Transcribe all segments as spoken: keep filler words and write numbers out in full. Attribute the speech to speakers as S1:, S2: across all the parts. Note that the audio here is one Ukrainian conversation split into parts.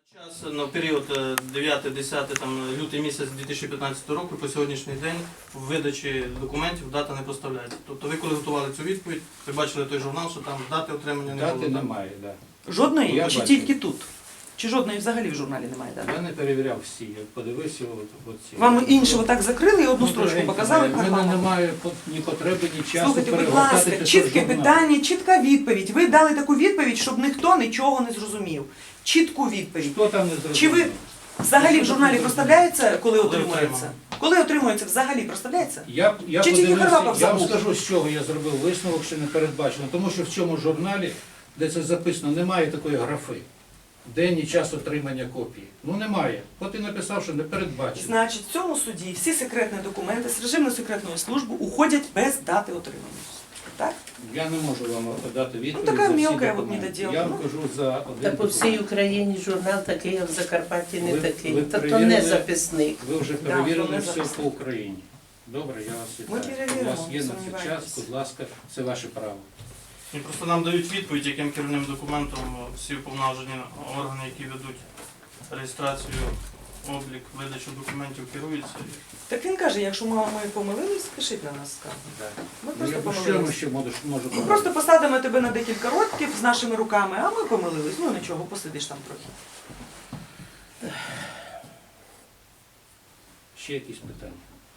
S1: Час на період дев'яте-десяте там лютий місяць дві тисячі п'ятнадцятого року по сьогоднішній день в видачі документів дата не проставляється. Тобто ви коли готували цю відповідь, ви бачили той журнал, що там дати отримання не було.
S2: Дати немає, так. Да.
S3: Жодної?
S2: Я
S3: Чи
S2: бачу.
S3: тільки тут? Чи жодної взагалі в журналі немає дати?
S2: Я не перевіряв всі, я подивився от, от ці.
S3: Вам інші отак закрили і одну
S2: Ну,
S3: строчку
S2: дорогенькі
S3: показали?
S2: мої, в мене немає ні потреби, ні часу
S3: Слухайте, будь
S2: перегортати
S3: ласка,
S2: п'ятсот
S3: чітке
S2: журналів.
S3: питання, чітка відповідь. Ви дали таку відповідь, щоб ніхто нічого не зрозумів. Чітку відповідь.
S2: Хто там не зрозумів?
S3: Чи ви взагалі в журналі проставляється, коли
S1: Коли
S3: отримується?
S1: отримано.
S3: Коли отримується, взагалі проставляється?
S2: Я, я
S3: Чи тільки
S2: подивився,
S3: Харламов
S2: я вам
S3: забув?
S2: скажу, з чого я зробив висновок, що не передбачено. Тому що в цьому журналі, де це записано, немає такої графи. День і час отримання копії. Ну немає. От і написав, що не передбачено.
S3: Значить, в цьому суді всі секретні документи з режимно-секретної служби уходять без дати отримання. Так?
S2: Я не можу вам дати відповідь
S3: Ну, така
S2: за всі
S3: мелка, от
S2: документи.
S3: недоділка.
S2: Я вам
S3: Ну.
S2: кажу за один
S4: Та по всій
S2: документ.
S4: Україні журнал такий, а в Закарпатті не
S2: Ви-
S4: такий.
S2: ви
S4: Та то
S2: перевірили?
S4: не записник.
S2: Ви вже
S3: Да,
S2: перевірили
S3: вони
S2: все
S3: записані.
S2: по Україні. Добре, я вас
S3: Ми
S2: вітаю. У
S3: перевіримо,
S2: вас є
S3: не
S2: на це
S3: сумнівайтесь.
S2: час, будь ласка, це ваше право.
S1: І просто нам дають відповідь, яким керівним документом всі уповноважені органи, які ведуть реєстрацію, облік, видачу документів, керуються.
S3: Так він каже, якщо ми, ми помилились, пишіть на нас скаргу. Ми
S2: Ну,
S3: просто
S2: я, що ми
S3: помилились.
S2: ще можу, можу
S3: Ми
S2: порадити?
S3: просто посадимо тебе на декілька років з нашими руками, а ми помилились. Ну нічого, посидиш там трохи.
S2: Ще якісь питання?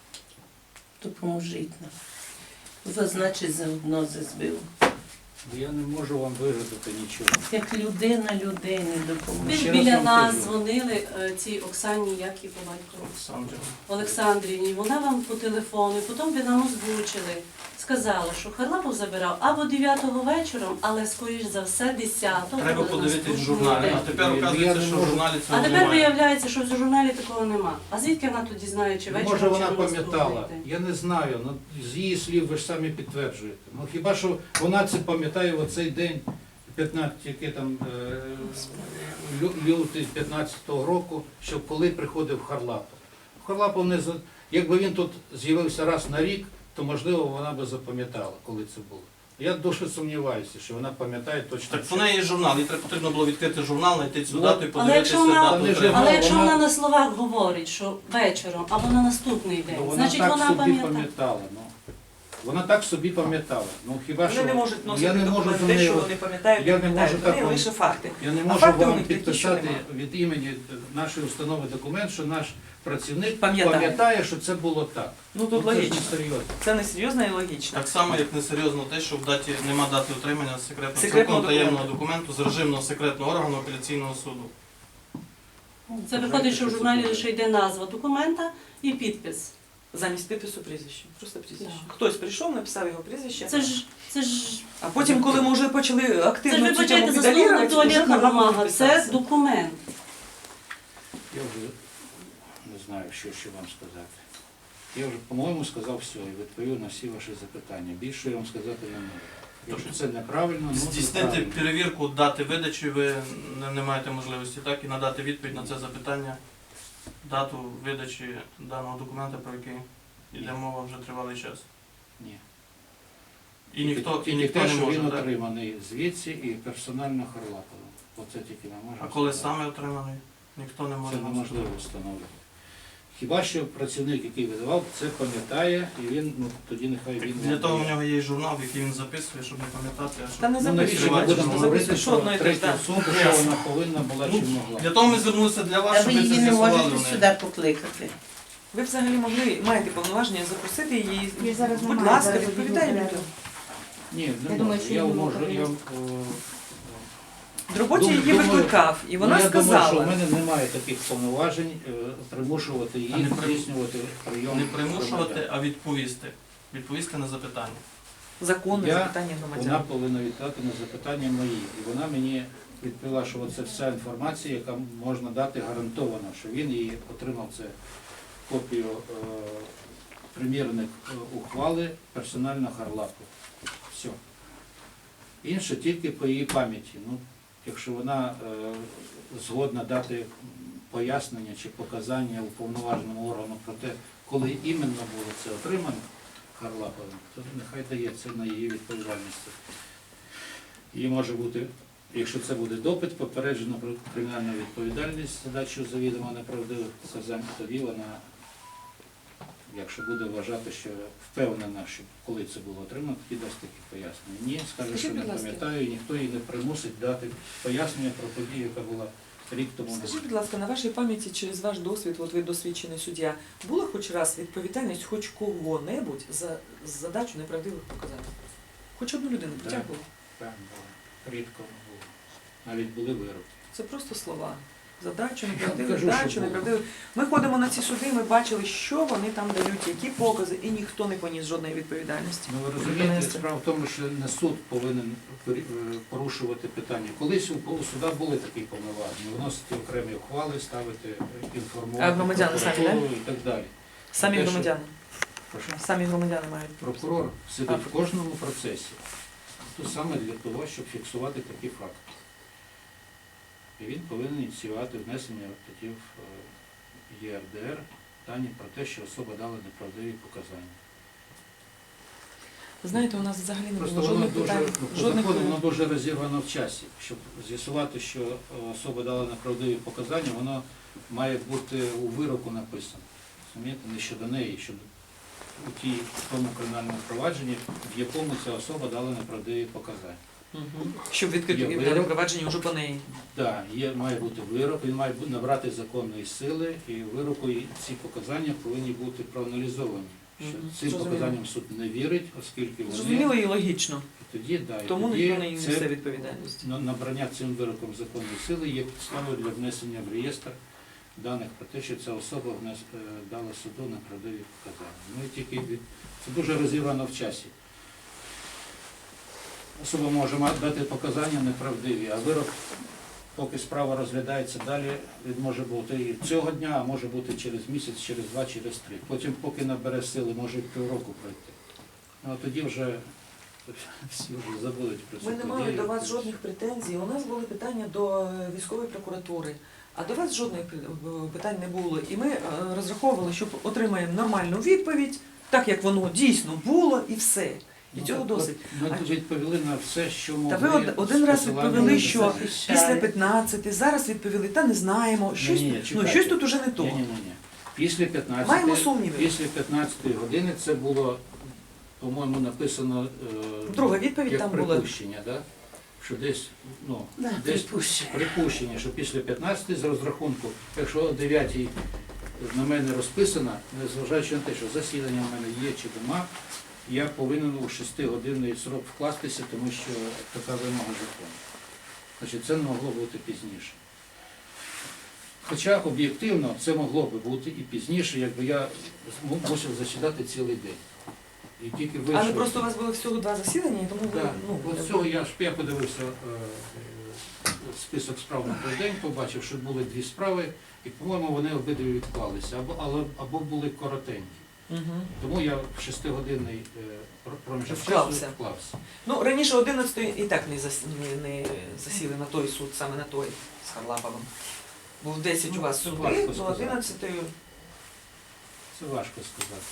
S4: Допоможіть нам. Зазначить заодно збив.
S2: Я не можу вам вигадати нічого.
S4: Як людина людині
S5: Ви
S4: допоможе.
S2: Ще
S5: ж
S2: раз
S5: біля
S2: вам
S5: нас
S2: кажу.
S5: дзвонили е, цій Оксані, як і по батькові,
S1: Олександр.
S5: Олександрівні. Вона вам по телефону, і потім ви нам озвучили. Сказала, що Харлапов забирав або дев'ятого вечора, але скоріш за все десятого.
S1: Треба
S5: на
S1: подивитись в
S5: наступний
S1: журналі.
S5: день.
S1: А тепер
S2: Я
S1: оказується,
S2: не
S1: що в
S2: можу.
S1: журналі
S5: А
S1: цього
S5: тепер
S1: немає.
S5: виявляється, що в журналі такого нема. А звідки вона тоді знає, чи вечором,
S2: Може
S5: чи
S2: вона
S5: на наступний
S2: пам'ятала,
S5: день?
S2: я не знаю, ну, з її слів ви ж самі підтверджуєте. Ну хіба що вона це пам'ятає в оцей день, п'ятнадцятого, який там е, лю- лютий п'ятнадцятого року, що коли приходив Харлапов. Харлапов не за... Якби він тут з'явився раз на рік, то можливо вона би запам'ятала, коли це було. Я дуже сумніваюся, що вона пам'ятає точно.
S1: Так
S2: що-
S1: в неї є журнал, їй треба- потрібно було відкрити журнал, знайти цю
S2: Ну,
S1: дату і
S5: Але
S1: подивитися
S5: якщо вона-
S1: дату.
S2: Та не
S1: отримання.
S2: журнал,
S5: Але якщо
S2: вона-
S5: вона на словах говорить, що вечором або на наступний
S2: Ну,
S5: день,
S2: вона
S5: значить
S2: так
S5: вона
S2: собі
S5: пам'ятає.
S2: пам'ятала. Ну. Вона так собі пам'ятала. Ну хіба
S3: Вони
S2: що
S3: не можуть
S2: я
S3: носити
S2: не можу
S3: документи,
S2: до неї,
S3: що вони пам'ятають,
S2: я не
S3: пам'ятають.
S2: можу так
S3: Вони
S2: вам-
S3: лише факти.
S2: я не
S3: А
S2: можу
S3: фактів у
S2: вам
S3: них такі, що
S2: підписати
S3: нема.
S2: від імені нашої установи документ, що наш працівник
S3: Пам'ятає.
S2: пам'ятає, що це було так.
S3: Ну тут
S2: Ну, це ж
S3: логічно.
S2: не серйозно.
S3: Це не серйозно і логічно.
S1: Так само, як несерйозно те, що в даті нема дати отримання секретного,
S3: Секретного
S1: цілком таємного документу з режимного секретного органу апеляційного суду.
S5: Це виходить, що в журналі лише йде назва документа і підпис.
S3: Замість підпису прізвище. Просто прізвище.
S5: Так.
S3: Хтось прийшов, написав його прізвище.
S5: Це ж, це ж,
S3: А потім, коли ми вже почали
S5: це ж
S3: активно
S5: ви
S3: цю тему
S5: почаєте заслугу
S3: педалірувати,
S5: на туалетна
S3: вже Харлапов
S5: бумага. Це
S3: підписався.
S5: документ.
S2: Я вже не знаю, що ще вам сказати. Я вже, по-моєму, сказав все і відповів на всі ваші запитання. Більше я вам сказати не можу. Якщо це неправильно, ну
S1: Здійснити
S2: неправильно.
S1: перевірку дати видачі ви не, не маєте можливості, так? І надати відповідь на це запитання, дату видачі даного документа, про який йде мова вже тривалий час.
S2: Ні.
S1: І ніхто, і
S2: Тільки
S1: ніхто
S2: те,
S1: не
S2: що
S1: може,
S2: він
S1: так?
S2: отриманий звідси і персонально Харлапова. Оце тільки не може.
S1: А коли
S2: сказати.
S1: саме отриманий, ніхто не може
S2: Це
S1: нам
S2: неможливо
S1: сказати.
S2: встановити. Хіба що працівник, який видавав, це пам'ятає, і він, ну тоді нехай він...
S1: Для того в нього є і журнал, який він записує, щоб не пам'ятати, а щоб...
S3: Та не
S2: Ну,
S3: записуй,
S2: навіщо ми
S1: бачиш,
S2: будемо
S1: що
S2: говорити
S3: записуй, що
S2: про
S3: одно і те ж,
S2: третю
S3: так.
S2: особу, що вона повинна була чи могла?
S1: Для того ми звернулися для вас,
S4: Та
S1: щоб
S4: ви
S1: ви це
S4: її не
S1: з'ясували
S4: можете
S1: в неї.
S4: сюди покликати.
S3: Ви взагалі могли, маєте повноваження запросити її.
S6: Я зараз
S3: Будь
S6: немає,
S3: ласка,
S6: зараз
S3: відповідай
S6: відповідаю.
S3: людям.
S2: Ні, не
S6: Я
S2: можу.
S6: думаю, що
S2: я
S6: її
S2: можу,
S6: можна
S2: я...
S6: було.
S2: о,
S3: В роботі
S2: Думаю,
S3: її
S2: думаю,
S3: викликав, і вона
S2: ну, я
S3: сказала.
S2: думаю, що в мене немає таких повноважень е, примушувати
S1: А
S2: її
S1: не при-
S2: здійснювати прийом.
S1: Не примушувати,
S2: громадян.
S1: а відповісти. Відповісти на запитання.
S3: Законне
S2: Я-
S3: запитання
S2: Вона
S3: громадян.
S2: повинна віддати на запитання мої. І вона мені відповіла, що це вся інформація, яка можна дати гарантовано, що він її отримав це копію е, примірник е, ухвали персонально Харлапова. Все. Інше тільки по її пам'яті. Ну, якщо вона е, згодна дати пояснення чи показання уповноваженому органу про те, коли іменно було це отримано Харлаповим, то нехай дає це на її відповідальність. Її може бути Якщо це буде допит, попереджено про кримінальну відповідальність за дачу завідомо неправдивих сказань, тоді вона, якщо буде вважати, що впевнена, що коли це було отримано, тоді дасть такі пояснення. Ні, скаже,
S3: Скажіть,
S2: що не
S3: будь ласка.
S2: пам'ятаю, і ніхто її не примусить дати пояснення про подію, яка була рік тому назад.
S3: Скажіть, будь ласка, на вашій пам'яті через ваш досвід, от ви досвідчений суддя, була хоч раз відповідальність хоч кого-небудь за задачу неправдивих показань? Хоч одну людину
S2: Так.
S3: притягували?
S2: Так, було. Рідко було. Навіть були вироки.
S3: Це просто слова. Задачу
S2: Я
S3: неправдивих,
S2: кажу, що
S3: дачу
S2: було.
S3: неправдивих. Ми ходимо на ці суди, ми бачили, що вони там дають, які покази, і ніхто не поніс жодної відповідальності.
S2: Ну, ви розумієте,
S3: Донести.
S2: справа в тому, що не суд повинен пер- е, порушувати питання. Колись у у суда були такі повноваження, виносити окремі ухвали, ставити, е, інформувати
S3: А громадяни самі,
S2: прокуратуру і так далі.
S3: Самі
S2: Те, що-
S3: громадяни.
S2: Прошу.
S3: Самі громадяни мають.
S2: Прокурор сидить в кожному процесі, то саме для того, щоб фіксувати такі факти. І він повинен ініціювати внесення тоді в е, Є Р Д Р дані про те, що особа дала неправдиві показання.
S3: Ви знаєте, у нас взагалі не
S2: Просто
S3: було
S2: воно
S3: жодних
S2: дуже,
S3: питань,
S2: ну, по
S3: жодних
S2: закону воно дуже розірвано в часі. Щоб з'ясувати, що е, особа дала неправдиві показання, воно має бути у вироку написано. Розумієте, не щодо неї, щодо у тій, в тому кримінальному провадженні, в якому ця особа дала неправдиві показання.
S3: Мгм. Щоб відкрити
S2: Є
S3: кримінальне
S2: вирок.
S3: провадження вже по неї.
S2: Так, є, має бути вирок, він має бу- набрати законної сили, і в вироку і ці показання повинні бути проаналізовані. Що
S3: Мгм.
S2: цим
S3: Зрозуміло.
S2: показанням суд не вірить, оскільки вони
S3: Зрозуміло і логічно.
S2: і тоді, да, і
S3: Тому
S2: тоді
S3: ніхто не
S2: це
S3: несе відповідальність.
S2: на- набрання цим вироком законної сили є підставою для внесення в реєстр даних про те, що ця особа внес, е, дала суду неправдиві показання. Ну і тільки від... Це дуже розірвано в часі. Особа може ма- дати показання неправдиві, а вирок, поки справа розглядається далі, він може бути і цього дня, а може бути через місяць, через два, через три. Потім, поки набере сили, може і півроку пройти. Ну а тоді вже всі вже забудуть про цю
S3: Ми не мали
S2: подію.
S3: до вас жодних претензій. У нас були питання до е, військової прокуратури, а до вас жодних пр- е, питань не було. І ми е, розраховували, що отримаємо нормальну відповідь, так як воно дійсно було, і все. І
S2: Ну,
S3: цього
S2: так,
S3: досить.
S2: от Ми
S3: А
S2: тут відповіли на все, що
S3: Та
S2: могли.
S3: ви од- один
S2: з
S3: раз
S2: посиланням
S3: відповіли,
S2: на
S3: що
S2: це.
S3: після п'ятнадцяти, зараз відповіли, та не знаємо. Щось,
S2: Ні-ні,
S3: ну,
S2: чекайте.
S3: щось тут уже не то.
S2: Ні, ні, ні. Після
S3: Маємо
S2: п'ятнадцятої,
S3: сумніви.
S2: після п'ятнадцятої години це було, по-моєму, написано е,
S3: Друга відповідь
S2: як
S3: там була.
S2: припущення, да? Що десь, ну,
S4: Да,
S2: десь
S4: припущення.
S2: припущення, що після п'ятнадцятої з розрахунку, якщо о дев'ятій на мене розписано, незважаючи на те, що засідання в мене є чи нема, я повинен у шестигодинний срок вкластися, тому що така вимога закону. Значить, це не могло бути пізніше. Хоча об'єктивно це могло би бути і пізніше, якби я зму- мусив засідати цілий день. І тільки
S3: Але
S2: вийшов.
S3: просто у вас було всього два засідання, і тому ви,
S2: Так,
S3: ну,
S2: от цього я ж я подивився е, е, список справ на той день, побачив, що були дві справи, і, по-моєму, вони обидві відклалися, або, але, або були коротенькі.
S3: Мгм.
S2: Тому я в шестигодинний е, пр- проміжок часу
S3: Вклався.
S2: вклався.
S3: Ну, раніше одинадцятої і так не, зас... не, не засіли на той суд, саме на той з Харлаповим. Був десять у вас
S2: Ну, це
S3: суди,
S2: важко
S3: до
S2: сказати.
S3: одинадцятої.
S2: Це важко сказати.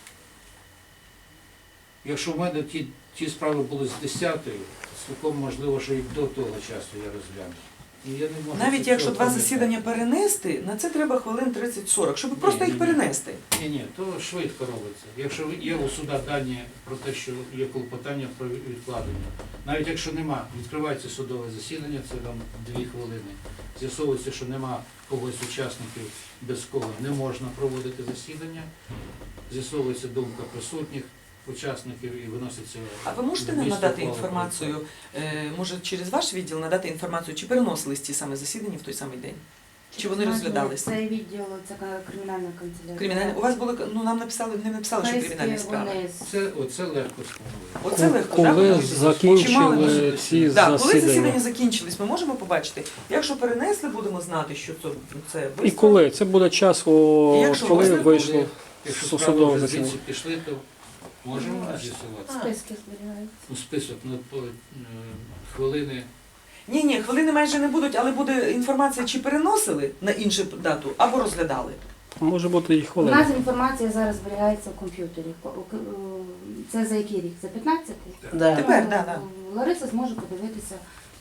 S2: Якщо в мене ті, ті справи були з десятої, цілком можливо, що і до того часу я розгляну. І я не можу
S3: Навіть
S2: цього
S3: якщо два
S2: пам'ятати.
S3: засідання перенести, на це треба хвилин тридцять-сорок, щоб просто
S2: ні,
S3: їх
S2: ні.
S3: перенести.
S2: Ні, ні, то швидко робиться. Якщо є у суда дані про те, що є клопотання про відкладення, навіть якщо нема, відкривається судове засідання, це там дві хвилини. З'ясовується, що нема когось з учасників, без кого не можна проводити засідання. З'ясовується думка присутніх учасників і виноситься.
S3: А ви можете нам
S2: зміст
S3: надати
S2: ухвали про
S3: інформацію, е, може через ваш відділ надати інформацію, чи переносились ті саме засідання в той самий день? Чи вони розглядалися?
S6: Це відділ, це кримінальна канцелярія.
S3: Кримінальні у вас були, ну нам написали, не написали, що кримінальні справи.
S6: Вони
S2: Це, оце легко сказати.
S3: Оце легко,
S7: Коли
S3: так? Чимали
S7: закінчили
S3: ми-
S7: ці
S3: Так, коли засідання
S7: засідання?
S3: закінчились, ми можемо побачити. Якщо перенесли, будемо знати, що це, це
S7: І
S3: виставка.
S7: коли? Це буде час, о,
S3: Якщо
S7: коли
S3: можна,
S7: вийшло
S2: Якщо
S7: з
S2: справи
S7: судового
S2: вже
S7: засідання.
S2: звідси пішли, то можемо з'ясувати.
S6: списки зберігаються.
S2: Ну, список на по, е, хвилини.
S3: Ні, ні, хвилини майже не будуть, але буде інформація, чи переносили на іншу дату, або розглядали.
S7: Може бути і
S6: У
S7: хвилина.
S6: нас інформація зараз зберігається в комп'ютері. По- у- у- Це за який рік? За п'ятнадцятий?
S4: Да.
S3: Тепер, да, да.
S6: Лариса зможе подивитися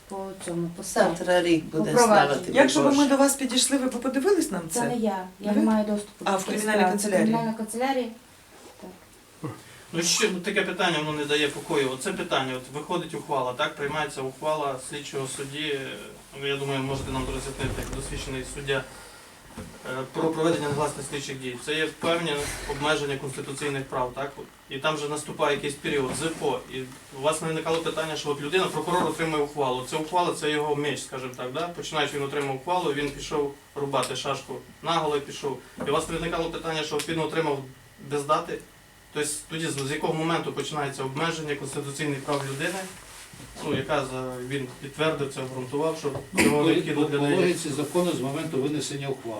S6: по цьому, по
S4: Завтра рік буде
S6: Впровадження.
S4: слава тобі,
S3: Якщо б ми
S4: Боже.
S3: до вас підійшли, ви б подивились нам
S6: Це не
S3: це?
S6: я. Я
S3: Ви?
S6: не маю доступу
S3: А,
S6: до
S3: в
S6: цих
S3: кримінальній
S6: справ.
S3: канцелярії?
S6: В кримінальній канцелярії.
S1: Ну що ну, таке питання воно не дає покою. Оце питання, от виходить ухвала, так приймається ухвала слідчого судді. е, Я думаю, можете нам роз'яснити як досвідчений суддя е, про проведення негласних слідчих дій. Це є певні обмеження конституційних прав, так? І там вже наступає якийсь період ЗПО. І у вас не виникало питання, що от людина, прокурор отримує ухвалу. Це ухвала, це його меч, скажімо так, да? Починаючи він отримав ухвалу, він пішов рубати шашку наголо і пішов. І у вас не виникало питання, що от він отримав без дати. Тобто тоді з з якого моменту починається обмеження конституційних прав людини, ну, яка за, він підтвердив це, обґрунтував, що цього
S2: По,
S1: необхідно
S2: по,
S1: для
S2: по
S1: неї.
S2: логіці закону з моменту винесення ухвали.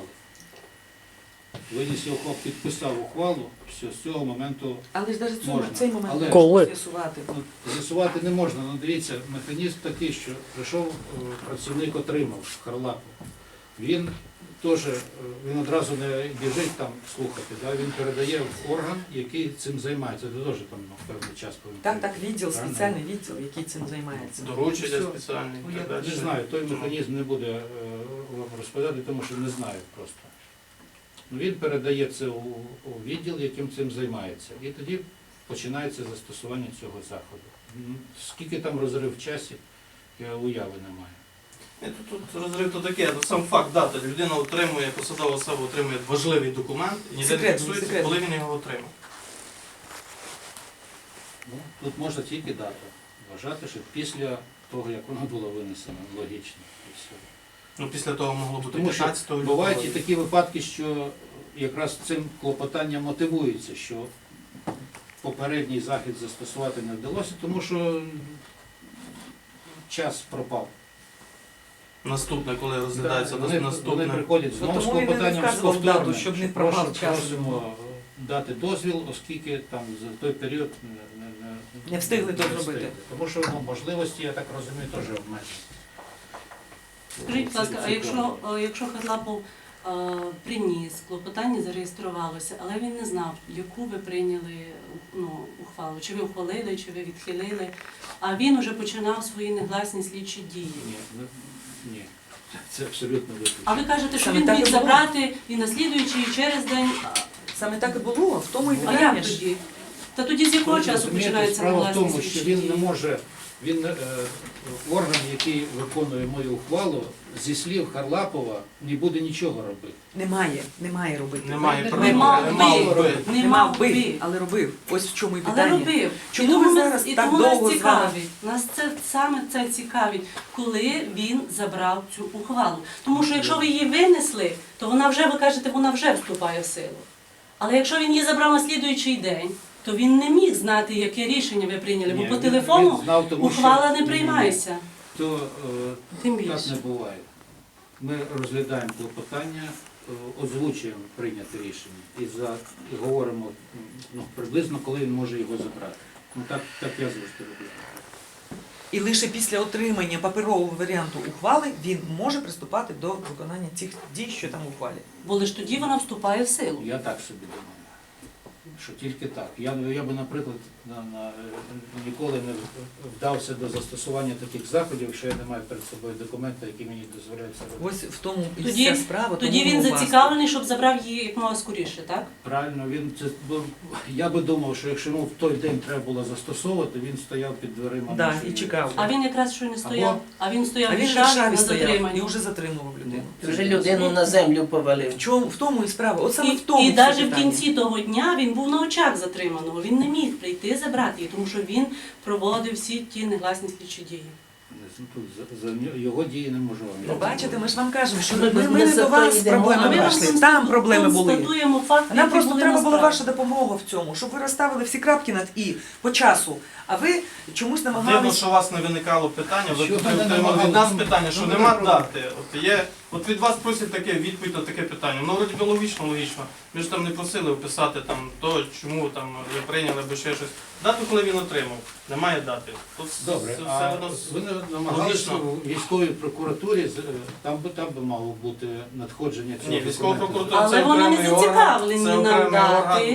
S2: Виніс ухвалу, підписав ухвалу, все, з цього моменту
S3: Але ж навіть
S2: Можна.
S3: цей момент
S2: Але-
S3: можна
S7: Коли?
S3: з'ясувати.
S2: ну, з'ясувати не можна. Ну, дивіться, механізм такий, що прийшов е, працівник, отримав Харлапов. Він теж, е, він одразу не біжить там слухати, да? Він передає в орган, який цим займається. Це теж там ну, певний час повинен.
S3: Так, так, відділ,
S2: Правильно?
S3: спеціальний відділ, який цим займається.
S1: Доручення
S3: Все.
S1: спеціальні
S3: Ну,
S1: і
S3: я
S1: так далі.
S2: Не знаю, той механізм не буде е, вам розповідати, тому що не знаю просто. Ну, він передає це у, у відділ, яким цим займається. І тоді починається застосування цього заходу. М, Скільки там розрив в часі, я уяви не маю.
S1: Ні, тут, тут розрив то таке, ну, сам факт дати. Людина отримує, посадова особа отримує важливий документ, і ніде не
S3: Секретний,
S1: фіксується,
S3: секретний.
S1: коли він його отримав.
S2: Ну, тут можна тільки дата. Вважати, що після того, як воно було винесено, логічно. І все.
S1: Ну, після того могло бути
S2: Тому що
S1: п'ятнадцятого лютого.
S2: бувають і такі випадки, що якраз цим клопотанням мотивується, що попередній захід застосувати не вдалося, тому що час пропав.
S1: Наступне, коли розглядається,
S2: Да, вони,
S1: наступне.
S2: вони приходять
S3: Ну,
S2: знову з
S3: тому він і не
S2: клопотанням з
S3: вказував
S2: повторним,
S3: дату, щоб не
S2: що
S3: пропав
S2: прошу-
S3: час.
S2: просимо дати дозвіл, оскільки там за той період не, не, не,
S3: Не встигли то зробити.
S2: встигли. Тому що ну, можливості, я так розумію, теж обмежені.
S5: Скажіть, будь ласка, а
S2: Ці- ці
S5: якщо, е, якщо Харлапов е, приніс, клопотання зареєструвалося, але він не знав, яку ви прийняли ну, ухвалу, чи ви ухвалили, чи ви відхилили, а він уже починав свої негласні слідчі дії.
S2: Ні, ну, ні, це абсолютно виключно.
S5: А ви кажете, що
S3: Саме
S5: він
S3: так і
S5: міг
S3: було.
S5: забрати і на слідуючий, і через день.
S3: Саме так і було, в тому і
S5: А
S3: питання
S5: як
S3: ж.
S5: тоді? Та тоді з якого
S2: Ви
S5: часу
S2: розумієте,
S5: починаються
S2: справа в
S5: негласні
S2: тому, що
S5: слідчі
S2: він
S5: дії?
S2: не може, він е, орган, який виконує мою ухвалу, зі слів Харлапова не буде нічого робити.
S3: Немає, немає робити.
S1: Немає
S2: Не
S1: права,
S5: мав
S1: не
S5: би.
S1: мав би.
S5: Не
S3: Не
S5: мав
S3: мав би,
S5: би.
S3: але робив. Ось в чому і
S5: Але
S3: питання.
S5: робив.
S3: Чому
S5: і тому
S3: ви
S5: нас-
S3: зараз
S5: і
S3: так
S5: тому
S3: довго
S5: нас
S3: з вами?
S5: цікавить. Нас це саме це цікавить, коли він забрав цю ухвалу. Тому що якщо ви її винесли, то вона вже, ви кажете, вона вже вступає в силу. Але якщо він її забрав на слідуючий день, то він не міг знати, яке рішення ви прийняли,
S2: Ні,
S5: бо по
S2: він-
S5: телефону
S2: він знав, тому що-
S5: ухвала не
S2: Ні, ні,
S5: приймається.
S2: То е,
S5: Тим
S2: так
S5: більше.
S2: не буває. Ми розглядаємо клопотання, е, озвучуємо прийняте рішення і, за, і говоримо ну, приблизно, коли він може його забрати. Ну так, так я завжди роблю.
S3: І лише після отримання паперового варіанту ухвали він може приступати до виконання цих дій, що там у ухвалі.
S5: Бо лише тоді вона вступає в силу.
S2: Я так собі думаю, що тільки так. Я, я би, наприклад, на, на, ніколи не вдався до застосування таких заходів, якщо я не маю перед собою документи, які мені дозволяють це робити.
S3: Ось в тому і
S5: Тоді-
S3: вся справа.
S5: Тоді
S3: тому
S5: він
S3: ми у вас.
S5: зацікавлений, щоб забрав її як мога скоріше, так?
S2: Правильно, він це бо я би думав, що якщо йому в той день треба було застосовувати, він стояв під дверима.
S3: Да,
S2: нашої-
S3: і чекав.
S5: А він якраз що не стояв,
S2: Або-
S5: а він стояв
S3: А
S5: в
S3: він в
S5: Варшаві
S3: Варшаві
S5: на
S3: стояв
S5: затриманні.
S3: і вже затримував людину.
S4: Вже людину на землю повалив.
S3: В чому в тому і справа? От саме
S5: І,
S3: в тому
S5: і
S3: все
S5: навіть в
S3: питання.
S5: кінці того дня він був на очах затриманого. Він не міг прийти забрати її, тому що він проводив всі ті негласні слідчі дії.
S2: Ну, тут за, за нього- його дії не можу вам.
S3: Ви бачите, ми ж вам кажемо, що
S4: Ми
S3: ми,
S4: без-
S3: ми
S4: без
S3: не до
S4: цього
S3: вас з
S4: йдемо.
S5: А
S3: проблемами
S5: ми вам
S3: прийшли. Там проблеми були.
S5: констатуємо факти,
S3: Нам
S5: які
S3: просто
S5: були
S3: треба була
S5: насправді.
S3: ваша допомога в цьому, щоб ви розставили всі крапки над і по часу. А ви чомусь
S1: Дивно,
S3: намагались.
S1: що у вас не виникало питання, ви
S2: Що
S1: ви
S2: мене
S1: отримали від
S2: намагало?
S1: нас питання, що
S2: Ну,
S1: нема
S2: добре.
S1: дати. От є, от від вас просять таке відповідь на таке питання. Ну, вроді би логічно, логічно. Ми ж там не просили описати там то, чому там ви прийняли або ще щось. Дату, коли він отримав, немає дати. Тут
S2: Добре,
S1: це
S2: а
S1: все одно
S2: ви не намагалися
S1: логічно.
S2: у військовій прокуратурі, з- там би там би мало бути надходження цього
S1: Ні, військова
S2: документу.
S1: прокуратура
S5: Але
S1: це
S5: вони не
S1: окремий орган,
S5: зацікавлені
S1: це
S5: нам
S1: окремий
S5: дати.
S1: орган.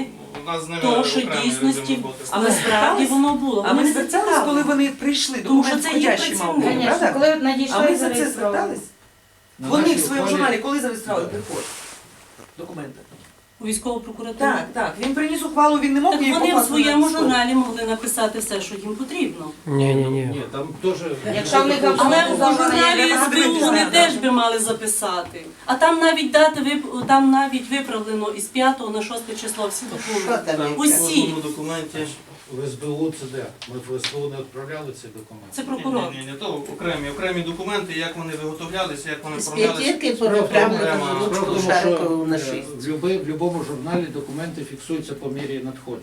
S1: нас з ними
S5: То, що
S1: окремі
S5: дійсності
S1: ведемо роботи.
S3: А ми
S5: насправді
S3: звертались?
S5: воно було.
S3: А
S5: Вони
S3: ми
S5: не
S3: звертались,
S5: зацікавлені.
S3: коли вони прийшли,
S5: Тому що
S3: документ
S5: це їх
S3: входящий мав
S5: працівник.
S3: бути,
S6: Звісно,
S3: правда?
S6: коли
S3: А
S6: надійшли
S3: ми за це
S6: зареєстровані.
S3: звертались?
S2: На
S3: Вони
S2: нашій
S3: в своєму
S2: ухвалі-
S3: журналі коли зареєстрували
S2: Да.
S3: приход? Документи.
S5: У військову прокуратуру.
S3: Так, так. Він приніс ухвалу, він не мог
S5: Так
S3: її
S5: вони в
S3: покласти на
S5: своєму
S3: стол.
S5: журналі могли написати все, що їм потрібно.
S7: Ні, ні, ні.
S2: Ні, там теж...
S6: Якщо в них
S5: Але
S6: автоматизовано
S5: у журналі
S3: треба
S5: СБУ
S3: подивитися,
S5: вони
S3: да,
S5: теж
S3: да.
S5: би мали записати. А там навіть дати вип- там навіть виправлено із п'ятого на шосте число всі документи.
S1: Там в
S5: Усі.
S1: кожному документі.
S2: В СБУ це де? Ми в СБУ не відправляли ці документи.
S5: Це прокурор.
S1: Ні, ні, ні, то окремі, окремі документи, як вони виготовлялися, як вони
S4: З
S1: оформлялися.
S4: п'ятірки
S1: Справа в
S4: прямо
S1: тому,
S4: на
S1: окрема-
S2: Справа в
S4: ручку
S2: тому,
S4: шарикову
S2: що
S4: на
S2: е,
S4: шість.
S2: в люби- в будь-якому журналі документи фіксуються по мірі надходження.